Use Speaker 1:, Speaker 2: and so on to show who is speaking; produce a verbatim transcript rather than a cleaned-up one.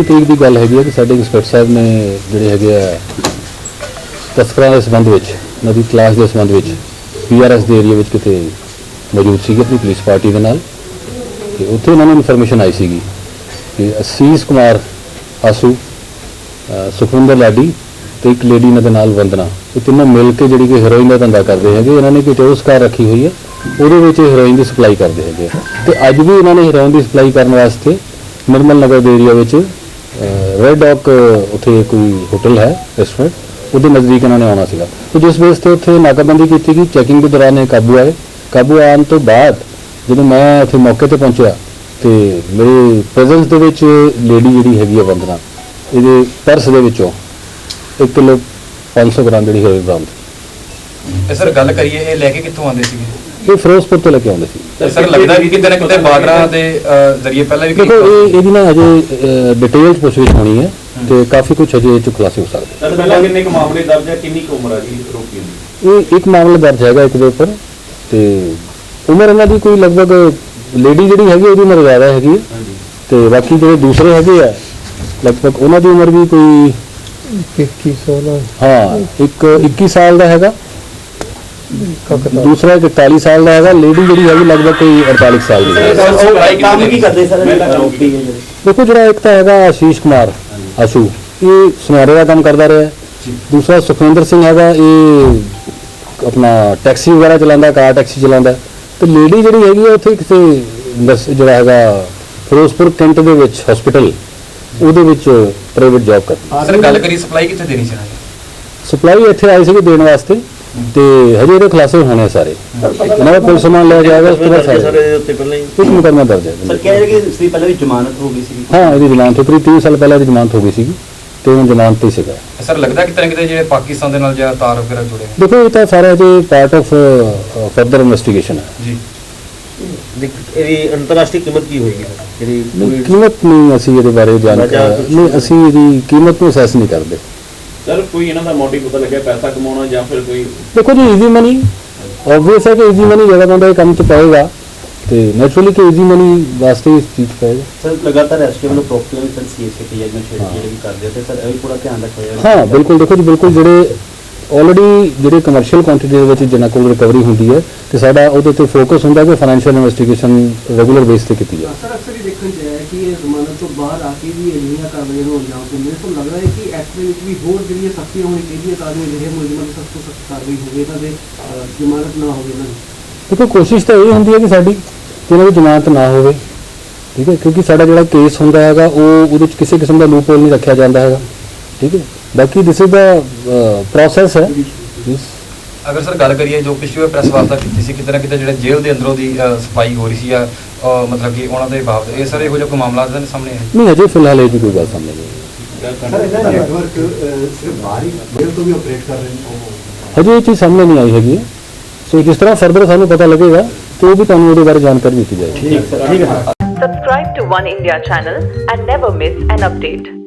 Speaker 1: ਤਰੀਕ ਦੀ ਗੱਲ ਹੈਗੀ ਹੈ ਕਿ ਸਾਡੇ ਇੰਸਪੈਕਟਰ ਸਾਹਿਬ ਨੇ ਜਿਹੜੇ ਹੈਗੇ ਆ ਤਸਕਰਾਂ ਦੇ ਸੰਬੰਧ ਵਿੱਚ ਨਦੀ ਤਲਾਸ਼ ਦੇ ਸੰਬੰਧ ਵਿੱਚ ਪੀ ਆਰ ਐਸ ਦੇ ਏਰੀਆ ਵਿੱਚ ਕਿਤੇ ਮੌਜੂਦ ਸੀਗੇ ਆਪਣੀ ਪੁਲਿਸ ਪਾਰਟੀ ਦੇ ਨਾਲ ਤੇ ਉੱਥੇ ਉਹਨਾਂ ਨੂੰ ਇਨਫੋਰਮੇਸ਼ਨ ਆਈ ਸੀਗੀ ਕਿ ਅਸੀਸ ਕੁਮਾਰ ਆਸੂ ਸੁਖਵਿੰਦਰ ਲਾਡੀ ਤੇ ਇੱਕ ਲੇਡੀ ਇਹਨਾਂ ਦੇ ਨਾਲ ਵੰਦਨਾ ਇਹ ਤਿੰਨੋਂ ਮਿਲ ਕੇ ਜਿਹੜੀ ਕਿ ਹੈਰੋਇਨ ਦਾ ਧੰਦਾ ਕਰਦੇ ਹੈਗੇ। ਇਹਨਾਂ ਨੇ ਕੋਈ ਟੋਸ ਕਾਰ ਰੱਖੀ ਹੋਈ ਹੈ, ਉਹਦੇ ਵਿੱਚ ਹੈਰੋਇਨ ਦੀ ਸਪਲਾਈ ਕਰਦੇ ਹੈਗੇ ਤੇ ਅੱਜ ਵੀ ਇਹਨਾਂ ਨੇ ਹੈਰੋਇਨ ਦੀ ਸਪਲਾਈ ਕਰਨ ਵਾਸਤੇ ਨਿਰਮਲ ਨਗਰ ਦੇ ਏਰੀਆ ਵਿੱਚ ਰੈਡ ਡੌਕ ਉੱਥੇ ਕੋਈ ਹੋਟਲ ਹੈ ਰੈਸਟੋਰੈਂਟ ਉਹਦੇ ਨਜ਼ਦੀਕ ਇਹਨਾਂ ਨੇ ਆਉਣਾ ਸੀਗਾ ਤੇ ਜਿਸ ਬੇਸ ਤੇ ਉੱਥੇ ਨਾਕਾਬੰਦੀ ਕੀਤੀ ਗਈ। ਚੈਕਿੰਗ ਦੇ ਦੌਰਾਨ ਇਹ ਕਾਬੂ ਆਏ। ਕਾਬੂ ਆਉਣ ਤੋਂ ਬਾਅਦ ਜਦੋਂ ਮੈਂ ਉੱਥੇ ਮੌਕੇ ਤੇ ਪਹੁੰਚਿਆ ਤੇ ਮੇਰੇ ਪ੍ਰੈਜ਼ੈਂਸ ਦੇ ਵਿੱਚ ਲੇਡੀ ਜਿਹੜੀ ਹੈਗੀ ਆ ਵੰਦਨਾ ਇਹਦੇ ਪਰਸ ਦੇ ਵਿੱਚੋਂ ਇੱਕ ਕਿਲੋ ਪੰਜ ਸੌ ਗ੍ਰਾਮ ਜਿਹੜੀ ਹੈਰੋਇਨ ਬਰਾਮਦ।
Speaker 2: ਸਰ ਗੱਲ ਕਰੀਏ ਇਹ ਲੈ ਕੇ ਕਿੱਥੋਂ ਆਉਂਦੇ ਸੀਗੇ?
Speaker 1: ਇਹ ਫਿਰੋਜ਼ਪੁਰ ਤੋਂ ਲੈ ਕੇ ਆਉਂਦੇ ਸੀ।
Speaker 2: ਸਰ ਲੱਗਦਾ ਕਿ ਕਿਤੇ ਨਾ ਕਿਤੇ ਬਾਰਡਰਾਂ ਦੇ ਜ਼ਰੀਏ ਪਹਿਲਾਂ ਵੀ
Speaker 1: ਦੇਖੋ ਇਹ ਇਹਦੀ ਨਾ ਅਜੇ ਡਿਟੇਲ ਪੁੱਛਗਿੱਛ ਹੋਣੀ ਹੈ ਤੇ ਕਾਫੀ ਕੁਝ ਅਜੇ ਇਹ 'ਚ ਖੁਲਾਸੇ ਹੋ ਸਕਦੇ।
Speaker 3: ਸਰ ਪਹਿਲਾਂ ਕਿੰਨੇ ਕੁ ਮਾਮਲੇ ਦਰਜ ਹੈ, ਕਿੰਨੀ ਕੁ ਉਮਰ ਹੈ ਜੀ ਰੋਕੀ ਦੀ?
Speaker 1: ਇਹ ਇੱਕ ਮਾਮਲਾ ਦਰਜ ਹੈਗਾ ਇੱਕ ਦੇ ਉੱਪਰ ਤੇ ਉਮਰ ਇਹਨਾਂ ਦੀ ਕੋਈ ਲਗਭਗ ਲੇਡੀ ਜਿਹੜੀ ਹੈਗੀ ਉਹਦੀ ਉਮਰ ਜ਼ਿਆਦਾ ਹੈਗੀ ਤੇ ਬਾਕੀ ਜਿਹੜੇ ਦੂਸਰੇ ਹੈਗੇ ਆ ਲਗਭਗ ਉਹਨਾਂ ਦੀ ਉਮਰ ਵੀ ਕੋਈ
Speaker 4: ਇੱਕੀ ਸਾਲ
Speaker 1: ਹਾਂ ਇੱਕ ਇੱਕੀ ਸਾਲ ਦਾ ਹੈਗਾ, ਦੂਸਰਾ ਇਕਤਾਲੀ ਸਾਲ ਦਾ ਹੈਗਾ। ਲੇਡੀ ਜਿਹੜੀ ਹੈਗੀ ਲਗਭਗ ਕੋਈ ਅੜਤਾਲੀ ਸਾਲ ਦੀ ਹੈ।
Speaker 3: ਕੰਮ ਕੀ ਕਰਦੇ ਸਰ?
Speaker 1: ਦੇਖੋ ਜਿਹੜਾ ਇੱਕ ਤਾਂ ਹੈਗਾ ਆਸ਼ੀਸ਼ ਕੁਮਾਰ ਆਸ਼ੂ ਇਹ ਸੁਨਿਆਰੇ ਦਾ ਕੰਮ ਕਰਦਾ ਰਿਹਾ। ਦੂਸਰਾ ਸੁਖਵਿੰਦਰ ਸਿੰਘ ਹੈਗਾ ਇਹ ਆਪਣਾ ਟੈਕਸੀ ਵਗੈਰਾ ਚਲਾਉਂਦਾ, ਕਾਰ ਟੈਕਸੀ ਚਲਾਉਂਦਾ ਤੇ ਲੇਡੀ ਜਿਹੜੀ ਹੈਗੀ ਉੱਥੇ ਕਿਸੇ ਜਿਹੜਾ ਹੈਗਾ ਫਿਰੋਜ਼ਪੁਰ ਕੈਂਟ ਦੇ ਵਿੱਚ ਹਸਪੀਟਲ ਉਹਦੇ ਵਿੱਚ ਪ੍ਰਾਈਵੇਟ ਜੌਬ ਕਰਦੀ।
Speaker 2: ਸਰ ਗੱਲ ਕਰੀ ਸਪਲਾਈ ਕਿੱਥੇ ਦੇਣੀ ਸੀ?
Speaker 1: ਸਪਲਾਈ ਇੱਥੇ ਆਈ ਸੀਗੀ ਦੇਣ ਵਾਸਤੇ ਤੇ ਹਜੇ ਇਹਦੇ ਖੁਲਾਸੇ ਹੋਣੇ ਸਾਰੇ। ਇਹਨਾਂ ਦਾ ਪੁਲਿਸ ਸਮਾਨ ਲਿਆ ਜਾਏਗਾ ਉਸ ਤੋਂ ਬਾਅਦ ਸਾਰੇ
Speaker 3: ਉੱਤੇ ਪਹਿਲਾਂ ਹੀ
Speaker 1: ਇੱਕ ਮੁਕੱਦਮਾ ਦਰਜ ਹੈ।
Speaker 3: ਸਰ ਕਹਿ ਰਹੇ ਕਿ ਇਸ ਦੀ ਪਹਿਲਾਂ ਵੀ ਜ਼ਮਾਨਤ ਹੋ ਗਈ ਸੀ?
Speaker 1: ਹਾਂ ਇਹਦੀ ਜ਼ਮਾਨਤ ਹੋਈ, ਤੀਹ ਸਾਲ ਪਹਿਲਾਂ ਇਹਦੀ ਜ਼ਮਾਨਤ ਹੋ ਗਈ ਸੀਗੀ ਤੇ ਹੁਣ ਜ਼ਮਾਨਤ ਤੇ ਸੀਗਾ।
Speaker 2: ਸਰ ਲੱਗਦਾ ਕਿਤੇ ਨਾ ਕਿਤੇ ਜਿਹੜੇ ਪਾਕਿਸਤਾਨ ਦੇ ਨਾਲ ਜਾਂ ਤਾਰ ਵਗੈਰਾ ਜੁੜੇ ਨੇ?
Speaker 1: ਦੇਖੋ ਇਹ ਤਾਂ ਸਾਰਾ ਅਜੇ ਪਾਰਟ ਆਫ ਫਰਦਰ ਇਨਵੈਸਟੀਗੇਸ਼ਨ ਹੈ
Speaker 2: ਜੀ।
Speaker 3: ਇਹਦੀ ਅੰਤਰਰਾਸ਼ਟਰੀ ਕੀਮਤ ਕੀ ਹੋਏਗੀ ਜਿਹੜੀ
Speaker 1: ਨਹੀਂ ਕੀਮਤ ਨਹੀਂ ਅਸੀਂ ਇਹਦੇ ਬਾਰੇ ਜਾਣਕਾਰੀ ਨਹੀਂ ਅਸੀਂ ਇਹਦੀ ਕੀਮਤ ਨੂੰ ਅਸੈਸ ਨਹੀਂ ਕਰਦੇ।
Speaker 3: ਸਰ ਕੋਈ ਇਹਨਾਂ ਦਾ ਮੋਟਿਵ ਪਤਾ ਲੱਗਿਆ ਪੈਸਾ ਕਮਾਉਣਾ ਜਾਂ ਫਿਰ ਕੋਈ?
Speaker 1: ਦੇਖੋ ਜੀ ਈਜ਼ੀ ਮਨੀ ਆਬਵੀਅਸ ਹੈ ਕਿ ਈਜ਼ੀ ਮਨੀ ਜਿਹੜਾ ਬੰਦਾ ਇਹ ਕੰਮ 'ਚ ਪਾਏਗਾ ਤੇ ਨੈਚੁਰਲੀ ਕਿ ਈਜ਼ੀ ਮਨੀ ਵਾਸਤੇ ਇਸ ਚੀਜ਼ ਪਾਏਗਾ।
Speaker 3: ਸਰ ਲਗਾਤਾਰ ਐਸਕੇ ਵੱਲੋਂ ਪ੍ਰੋਪਰਟੀ ਵੀ ਸਰ ਸੀਐਸਏ ਤੇ ਜਜਮੈਂਟ ਜਿਹੜੇ ਵੀ ਕਰਦੇ ਤੇ ਸਰ ਇਹ ਵੀ ਪੂਰਾ ਧਿਆਨ ਰੱਖਿਆ ਜਾਏਗਾ?
Speaker 1: ਹਾਂ ਬਿਲਕੁਲ। ਦੇਖੋ ਜੀ ਬਿਲਕੁਲ ਜਿਹੜੇ ਆਲਰੇਡੀ ਜਿਹੜੇ ਕਮਰਸ਼ੀਅਲ ਕੁਆਂਟੀਟੀ ਦੇ ਵਿੱਚ ਜਿਨ੍ਹਾਂ ਕੋਲ ਰਿਕਵਰੀ ਹੁੰਦੀ ਹੈ ਤੇ ਸਾਡਾ ਉਹਦੇ ਤੇ ਫੋਕਸ ਹੁੰਦਾ ਕਿ ਫਾਈਨੈਂਸ਼ੀਅਲ ਇਨਵੈਸਟੀਗੇਸ਼ਨ ਰੈਗੂਲਰ ਬੇਸ ਤੇ ਕੀਤੀ ਜਾਵੇ।
Speaker 5: ਸਰ ਅਕਸਰ ਹੀ ਦੇਖਣ ਚ ਆਇਆ ਕਿ ਇਹ ਜ਼ਮਾਨਤ ਤੋਂ ਬਾਹਰ ਆ ਕੇ ਵੀ ਅਜਿਹੀਆਂ ਕਾਰਵਾਈਆਂ ਹੋ ਜਾਣ ਤੇ ਮੇਰੇ ਕੋਲ ਲੱਗਦਾ ਹੈ ਕਿ ਐਕਟ ਦੇ ਵਿੱਚ ਵੀ ਹੋਰ ਜਿਹੜੀਆਂ ਸਖਤੀਆਂ ਹੋਣੀ ਚਾਹੀਦੀਆਂ ਤਾਂ ਜੋ ਅਜਿਹੇ ਮੁਲਜ਼ਮਾਂ ਦੀ ਸਖਤ ਤੋਂ ਸਖਤ ਕਾਰਵਾਈ ਹੋਵੇ, ਇਹਨਾਂ ਦੇ ਜ਼ਮਾਨਤ ਨਾ ਹੋਵੇ ਇਹਨਾਂ ਦੀ।
Speaker 1: ਦੇਖੋ ਕੋਸ਼ਿਸ਼ ਤਾਂ ਇਹ ਹੁੰਦੀ ਹੈ ਕਿ ਸਾਡੀ ਕਿ ਇਹਨਾਂ ਦੀ ਜ਼ਮਾਨਤ ਨਾ ਹੋਵੇ, ਠੀਕ ਹੈ, ਕਿਉਂਕਿ ਸਾਡਾ ਜਿਹੜਾ ਕੇਸ ਹੁੰਦਾ ਹੈਗਾ ਉਹ ਉਹਦੇ ਵਿੱਚ ਕਿਸੇ ਕਿਸਮ ਦਾ ਲੂਪ ਹੋਲ ਨਹੀਂ ਰੱਖਿਆ ਜਾਂਦਾ ਹੈਗਾ, ਠੀਕ ਹੈ। ਬਾਕੀ ਦਿਸ ਇਜ਼ ਦਾ ਪ੍ਰੋਸੈਸ ਹੈ।
Speaker 2: ਅਗਰ ਸਰ ਗੱਲ ਕਰੀਏ ਜੋ ਪਿਛਲੀ ਵਾਰ ਪ੍ਰੈਸ ਵਾਰਤਾ ਕੀਤੀ ਸੀ ਕਿਤੇ ਨਾ ਕਿਤੇ ਜਿਹੜੇ ਜੇਲ੍ਹ ਦੇ ਅੰਦਰੋਂ ਦੀ ਸਫਾਈ ਹੋ ਰਹੀ ਸੀ ਜਾਂ ਮਤਲਬ ਕਿ ਉਹਨਾਂ ਦੇ ਬਾਬਤ ਇਹ ਸਰ ਇਹੋ ਜਿਹਾ ਕੋਈ ਮਾਮਲਾ ਤਾਂ ਸਾਹਮਣੇ ਹੈ
Speaker 1: ਨਹੀਂ? ਅਜੇ ਫਿਲਹਾਲ ਇਹ ਕੋਈ ਗੱਲ ਸਾਹਮਣੇ ਨਹੀਂ।
Speaker 5: ਸਰ ਇਹਦਾ ਨੈਟਵਰਕ ਸਿਰਫ ਬਾਹਰੀ ਜੇਲ੍ਹ ਤੋਂ ਵੀ ਆਪਰੇਟ ਕਰ ਰਹੇ ਨੇ?
Speaker 1: ਹਜੇ ਇਹ ਚੀਜ਼ ਸਾਹਮਣੇ ਨਹੀਂ ਆਈ ਹੈਗੀ। ਸੋ ਜਿਸ ਤਰ੍ਹਾਂ ਫਰਦਰ ਸਾਨੂੰ ਪਤਾ ਲੱਗੇਗਾ ਤੇ ਉਹ ਵੀ ਤੁਹਾਨੂੰ ਉਹਦੇ ਬਾਰੇ ਜਾਣਕਾਰੀ ਦਿੱਤੀ ਜਾਏਗੀ।
Speaker 3: ਠੀਕ ਹੈ।
Speaker 6: Subscribe to One India channel and never miss an update.